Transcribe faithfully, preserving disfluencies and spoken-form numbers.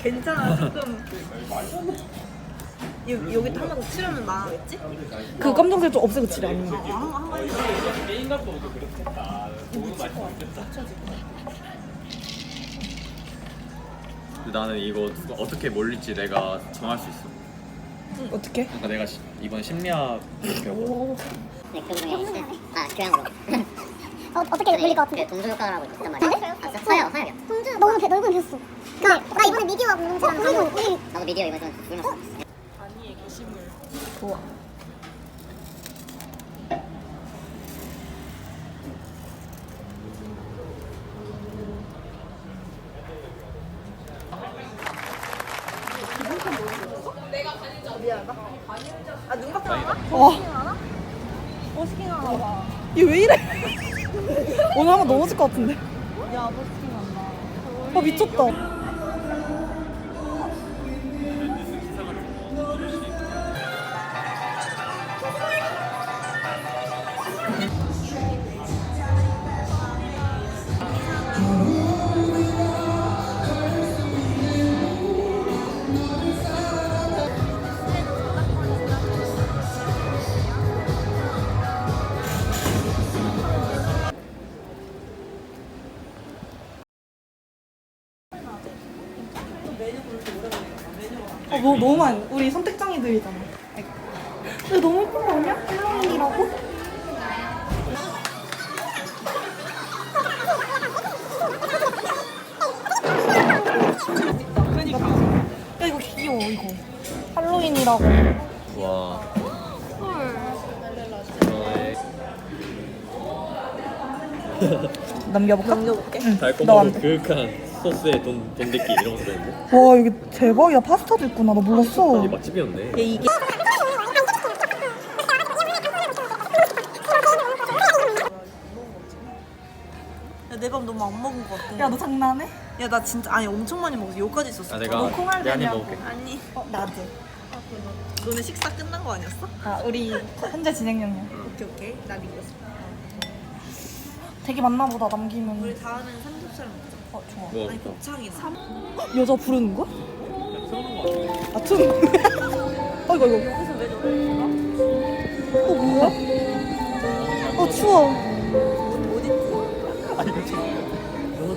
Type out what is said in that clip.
괜찮아 조금. 여, 여기 한 번 더 칠하면 나가겠지? 그 검정색 좀 없애고 칠해 아니면. 한번 게임 갖고 오도 그렇겠다. 너무 많이 바뀌었다. 나는 이거 누가 어떻게 몰릴지 내가 정할 수 있어. 어떻게? 그러니까 내가 시, 이번 심리학 배워. 네, 그 중에 아 교양으로. 어, 어떻게 물릴 것 같은데? 그 동조 효과라고 있단 말이야. 아, 서요, 서요. 동조. 너무 배, 넓은 배웠어. 나, 나 이번에 미디어와 공동체라는 거. 우리 나도 미디어 이번에 좀 불렀어. 아니의 게시물. 좋아. 미안하다. 아 눈밖에 안 와? 와. 버스킹 하나 봐. 얘 왜 이래? 오늘 한번 넘어질 것 같은데. 야 버스킹 한다. 아 미쳤다. 아, 뭐 너무 많이. 우리 선택장애들이잖아. 근데 너무 예쁜 거 아니야? 할로윈이라고? 그러니까. 야 이거 귀여워 이거. 할로윈이라고. 와. 남겨볼까? 넘겨볼게. 응. 너 달콤하고 안 돼. 그윽한 소스에 돈 돈데끼 이런 거 들어있는데. 와 여기 대박이야. 파스타도 있구나. 나 몰랐어. 이 맛집이었네. 얘 이게 야, 내 밥 너무 안 먹은 것 같아. 야 너 장난해? 야, 나 진짜 아니 엄청 많이 먹었어. 여기까지 있었어. 아 내가 너 콩알 내가 한입 되냐고. 먹을게. 아니, 어 나도. 너네 식사 끝난 거 아니었어? 아 우리 현재 진행 중이야. 오케이 오케이. 나 믿었어. 되게 많나 보다 남기면. 우리 다음에는 삼겹살 먹자. 어 좋아. 뭐 아니 곱창이나. 여자 부르는 거야? 틀어놓은 거 같아. 아 트는 어이구 이거. 여기서 왜 저래? 어 뭐야? 어 추워.